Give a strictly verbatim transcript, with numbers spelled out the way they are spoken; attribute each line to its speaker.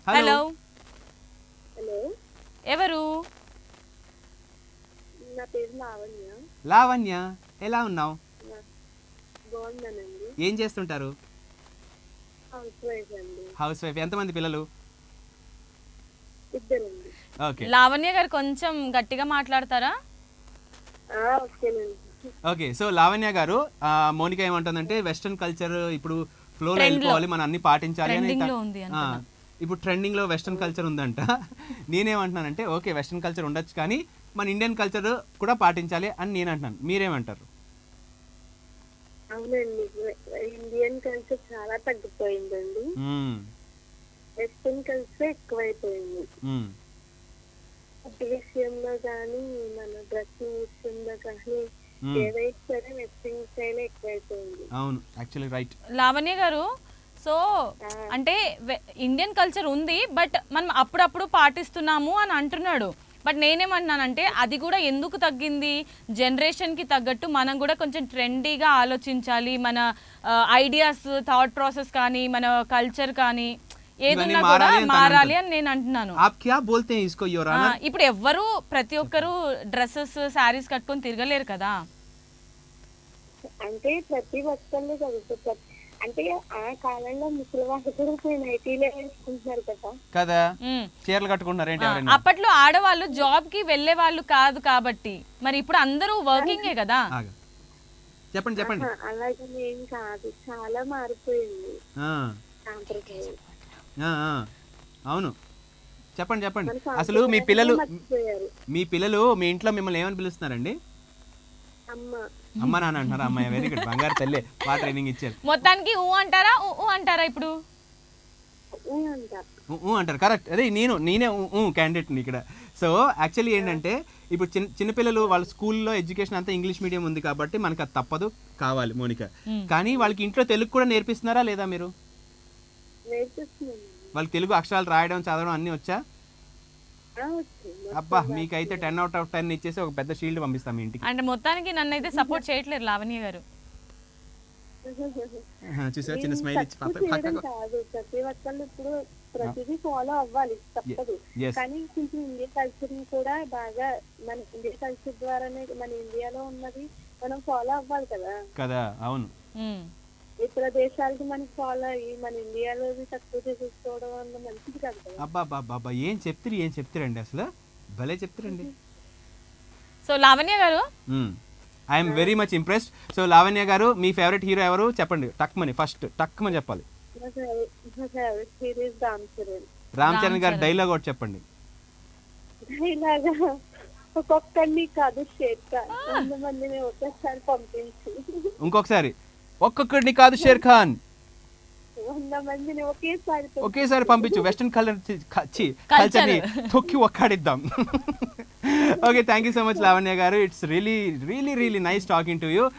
Speaker 1: Hello
Speaker 2: hello
Speaker 1: ఎవరు?
Speaker 2: నా పేరు లావణ్య.
Speaker 3: లావణ్య, ఎలా ఉన్నావు?
Speaker 2: బాగున్నానండి.
Speaker 3: ఏం చేస్తుంటారు?
Speaker 2: హౌస్ వైఫ్ అండి.
Speaker 3: Housewife. ఎంతమంది పిల్లలు?
Speaker 2: ఇద్దరండి.
Speaker 3: ఓకే
Speaker 1: లావణ్య గారు కొంచెం గట్టిగా మాట్లాడతారా?
Speaker 2: ఆ, ఓకేనండి.
Speaker 3: ఓకే సో లావణ్య గారు, ఆ, మౌనిక ఏమంటుందంటే వెస్ట్రన్ కల్చర్ ఇప్పుడు ఫ్లో
Speaker 1: Trend లో.
Speaker 3: వెళ్ళిపోవాలి, మనం అన్ని పాటించాలి అని.
Speaker 1: Trending లో ఉంది
Speaker 3: ఆ,
Speaker 1: అంటున్నా.
Speaker 3: ఇప్పుడు ట్రెండింగ్ లో వెస్ట్రన్ కల్చర్ ఉందంట. నేనేమంటున్నానంటే ఓకే వెస్ట్రన్ కల్చర్ ఉండొచ్చు కానీ మన ఇండియన్ కల్చర్ కూడా పాటించాలి అని నేను అంటున్నాను. మీరేమంటారు?
Speaker 2: అవునండి, ఇండియన్ కల్చర్ చాలా తగ్గిపోయిందండి.
Speaker 3: మ్మ్.
Speaker 2: వెస్టర్న్ కల్చర్ ఎక్కువైపోయింది.
Speaker 3: మ్మ్.
Speaker 2: ఫుడ్ విషయంలో కానీ మన డ్రెస్సింగ్ విషయంలో కానీ
Speaker 3: మ్మ్.
Speaker 2: ఏదైతే సరే వెస్టర్న్ స్టైల్ ఎక్కువైపోయింది.
Speaker 3: అవును, యాక్చువల్లీ రైట్.
Speaker 1: లావణ్య గారు, సో అంటే వె- ఇండియన్ కల్చర్ ఉంది బట్ మనం అప్పుడప్పుడు పాటిస్తున్నాము అని అంటున్నాడు. బట్ నేనేమంటున్నానంటే అది కూడా ఎందుకు తగ్గింది? జనరేషన్కి తగ్గట్టు మనం కూడా కొంచెం ట్రెండీగా ఆలోచించాలి. మన ఐడియాస్, థాట్ ప్రాసెస్ కానీ మన కల్చర్ కానీ ఏదన్నా కూడా
Speaker 3: మారాలి అని
Speaker 1: మారాలి అని నేను అంటున్నాను.
Speaker 3: ఆప్ క్యా బోల్తే హై ఇస్కో యువర్
Speaker 1: ఆ,
Speaker 3: ఆనర్?
Speaker 1: ఇప్పుడు ఎవ్వరు ప్రతి ఒక్కరు డ్రెస్సెస్, శారీస్ కట్టుకొని తిరగలేరు కదా.
Speaker 2: అంటే ప్రతి ఒక్కళ్ళు చదువుతారు. అంటే ఆ కాలంలో ముసలి వాళ్ళు కూడా నైటీలే వేసుకుంటున్నారు కదా.
Speaker 3: కదా,
Speaker 1: ఉమ్.
Speaker 3: చీరలు కట్టుకుంటున్నారు ఏంటి
Speaker 1: ఆ,
Speaker 3: ఎవరైనా?
Speaker 1: అప్పట్లో ఆడవాళ్ళు జాబ్ కి వెళ్లే వాళ్ళు కాదు కాబట్టి మరి ఇప్పుడు అందరూ వర్కింగే కదా.
Speaker 3: ఆగు. చెప్పండి చెప్పండి.
Speaker 2: ఆహా, అలాగే ఏం కాదు, చాలా మారిపోయింది
Speaker 3: ఆ,
Speaker 2: సాంప్రదాయం.
Speaker 3: ఆ, ఆ. అవును, చెప్పండి చెప్పండి.
Speaker 2: మన
Speaker 3: అసలు మీ పిల్లలు
Speaker 2: మర్చిపోయారు.
Speaker 3: మీ పిల్లలు మీ ఇంట్లో మిమ్మల్ని ఏమని పిలుస్తున్నారండి?
Speaker 2: అమ్మ
Speaker 3: అమ్మ నాన్న అంటున్నారు. అమ్మాయి వెరీ గుడ్, బంగారు తల్లి, బాగా ట్రైనింగ్ ఇచ్చారు.
Speaker 1: మొత్తానికి ఊ అంటారా ఊ ఊ అంటారా ఇప్పుడు?
Speaker 2: ఊ అంట.
Speaker 3: ఊ, ఊ అంటారు. కరెక్ట్. అదే నేను నేనే క్యాండిడేట్ని ఇక్కడ. సో యాక్చువల్లీ ఏంటంటే ఇప్పుడు చిన్న చిన్నపిల్లలు వాళ్ళ స్కూల్లో ఎడ్యుకేషన్ అంతా ఇంగ్లీష్ మీడియం ఉంది కాబట్టి మనకు అది తప్పదు, కావాలి మోనిక. కానీ వాళ్ళకి ఇంట్లో తెలుగు కూడా నేర్పిస్తున్నారా లేదా మీరు?
Speaker 2: నేర్పిస్తున్నాను.
Speaker 3: వాళ్ళకి తెలుగు అక్షరాలు రాయడం, చదవడం అన్నీ వచ్చా?
Speaker 2: ఆ, వచ్చు.
Speaker 3: అబ్బా, మీకైతే టెన్ అవుట్ ఆఫ్ టెన్ ఇచ్చేసి ఒక పెద్ద షీల్డ్ పంపిస్తాం మీ ఇంటికి.
Speaker 1: అంటే మొత్తానికి నన్ను అయితే సపోర్ట్ చేయట్లేదు లావణ్య గారు.
Speaker 3: ఆహా, చూసారా చిన్న
Speaker 2: నేను
Speaker 3: స్మైల్ ఇచ్చి
Speaker 2: తక్కువ
Speaker 3: పక్క-
Speaker 2: చేయడం
Speaker 3: పక్కకు.
Speaker 2: కాదు, ప్రతి ఒక్కళ్ళు ఇప్పుడు ప్రతిదీ ఫాలో అవ్వాలి, తప్పదు.
Speaker 3: Yes.
Speaker 2: కానీ కొంచెం ఇండియా కల్చర్ కూడా బాగా మన ఇండియా కల్చర్ ద్వారానే మన ఇండియాలో ఉన్నది మనం ఫాలో అవ్వాలి కదా.
Speaker 3: కదా, అవును.
Speaker 1: ఉమ్.
Speaker 2: ఇతర దేశాలకి మనకి ఫాలో అయ్యి మన ఇండియాలో తక్కువ చేసేసుకోవడం వల్ల మంచిది కాదు కదా.
Speaker 3: అబ్బా అబ్బా అబ్బా అబ్బా, ఏం చెప్తారు ఏం చెప్తారండి, అసలు భలే చెప్తారండి.
Speaker 1: సో లావణ్య గారు,
Speaker 3: I'm very much impressed. So Lavanya గారు, మీ ఫేవరెట్ హీరో ఎవరు చెప్పండి? టక్మని ఫస్ట్ టక్మని చెప్పాలి.
Speaker 2: నా ఫేవరెట్ నా ఫేవరెట్ సిరీస్ రామ్ చరణ్.
Speaker 3: రామ్ చరణ్ గారు డైలాగ్ ఒకటి చెప్పండి.
Speaker 2: ఇలాగా ఒక్కొక్కరిని కాదు, షేర్ ఖాన్ వంద మందిని ఒకేసారి పంపించి
Speaker 3: ఇంకొకసారి, ఒక్కొక్కడిని కాదు షేర్ ఖాన్,
Speaker 2: వంద మందిని ఒకేసారి పంపించి
Speaker 3: ఒకేసారి పంపించు. వెస్టర్న్ కలర్ కల్చర్ ని తొక్కి ఒక్కడిద్దాం. Okay, thank you so much Lavanya గారు. It's really really really nice talking to you.